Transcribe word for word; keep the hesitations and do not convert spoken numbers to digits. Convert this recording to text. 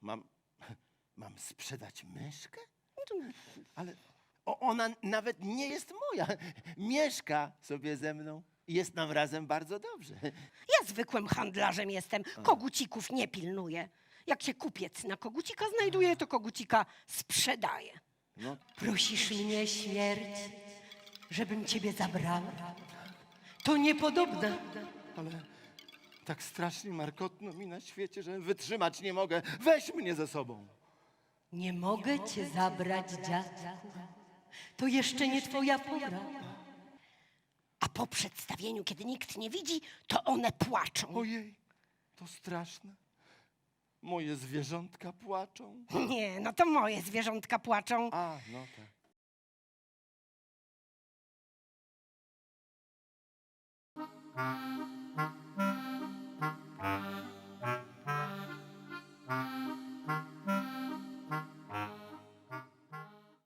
Mam, mam sprzedać myszkę? Ale o, ona nawet nie jest moja. Mieszka sobie ze mną i jest nam razem bardzo dobrze. Ja zwykłym handlarzem jestem, kogucików nie pilnuję. Jak się kupiec na kogucika znajduje, to kogucika sprzedaje. No, Prosisz mnie, śmierć, żebym ciebie zabrała? To niepodobne. ale tak strasznie markotno mi na świecie, że wytrzymać nie mogę. Weź mnie ze sobą. Nie mogę cię zabrać, dziadku. To jeszcze nie twoja pora. A po przedstawieniu, kiedy nikt nie widzi, to one płaczą. Ojej, to straszne. Moje zwierzątka płaczą. Nie, no to moje zwierzątka płaczą. A, no tak. Thank you.